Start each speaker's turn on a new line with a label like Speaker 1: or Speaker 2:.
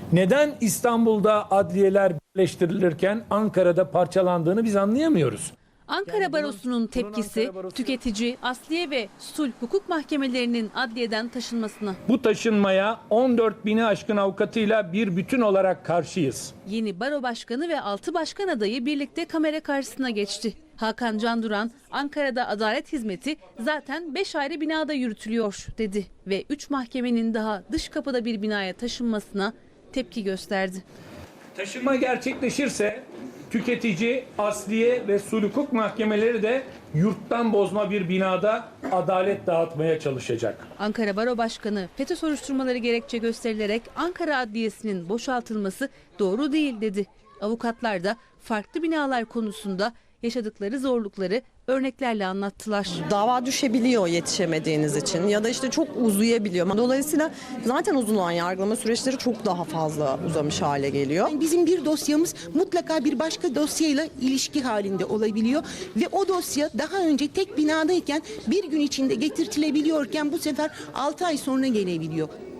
Speaker 1: Neden İstanbul'da adliyeler birleştirilirken Ankara'da parçalandığını biz anlayamıyoruz.
Speaker 2: Ankara Barosu'nun tepkisi tüketici, asliye ve sulh hukuk mahkemelerinin adliyeden taşınmasına.
Speaker 1: Bu taşınmaya 14 bini aşkın avukatıyla bir bütün olarak karşıyız.
Speaker 2: Yeni baro başkanı ve 6 başkan adayı birlikte kamera karşısına geçti. Hakan Canduran, Ankara'da adalet hizmeti zaten 5 ayrı binada yürütülüyor dedi ve 3 mahkemenin daha dış kapıda bir binaya taşınmasına tepki gösterdi.
Speaker 1: Taşınma gerçekleşirse tüketici, asliye ve sulh hukuk mahkemeleri de yurttan bozma bir binada adalet dağıtmaya çalışacak.
Speaker 2: Ankara Baro Başkanı FETÖ soruşturmaları gerekçe gösterilerek Ankara Adliyesi'nin boşaltılması doğru değil dedi. Avukatlar da farklı binalar konusunda yaşadıkları zorlukları örneklerle anlattılar.
Speaker 3: Dava düşebiliyor yetişemediğiniz için ya da işte çok uzayabiliyor. Dolayısıyla zaten uzun olan yargılama süreçleri çok daha fazla uzamış hale geliyor.
Speaker 4: Bizim bir dosyamız mutlaka bir başka dosyayla ilişki halinde olabiliyor ve o dosya daha önce tek binadayken bir gün içinde getirtilebiliyorken bu sefer 6 ay sonra gelebiliyor.